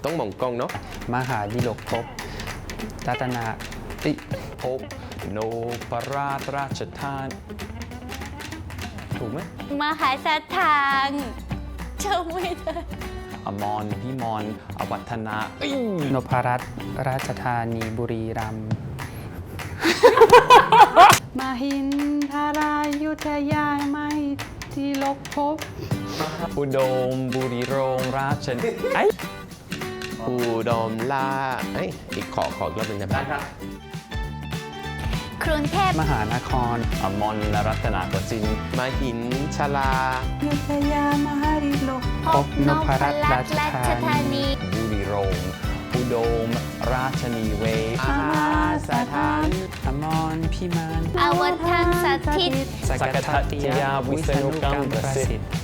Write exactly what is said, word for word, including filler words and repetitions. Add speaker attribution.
Speaker 1: ต้องมองกล้องเนาะ
Speaker 2: มหาดิลกภพรัตนาติ
Speaker 3: ภพโนปราชราชทาน ถูกไหม
Speaker 4: มหาสถานจำไม่ได้
Speaker 3: อมรพิมรอวัฒนาเอ้ย
Speaker 2: นพรัตน์ราชธานีบุรีรัมย์ มหินทารายุทยามหิดิลกภพ
Speaker 3: อุดมบุรีโรงราชนไอ้
Speaker 1: อุดมลาเอ้ยอีกขอขออีกรอบหนึ่งได้ไหม
Speaker 4: กรุงเทพ
Speaker 2: มหานคร
Speaker 3: อมรรัตนโกสินทร์
Speaker 1: มหินชลา
Speaker 2: ยุทยามหาดิลกภพนพรัตน์ราชธานี
Speaker 3: บุรีโรงอุดมราชนีเวศ
Speaker 1: มหาสถาน
Speaker 2: อมรพิมาน
Speaker 4: อวทังสถิต
Speaker 2: สกทัตติยาวิษณุกรรมประสิทธิ์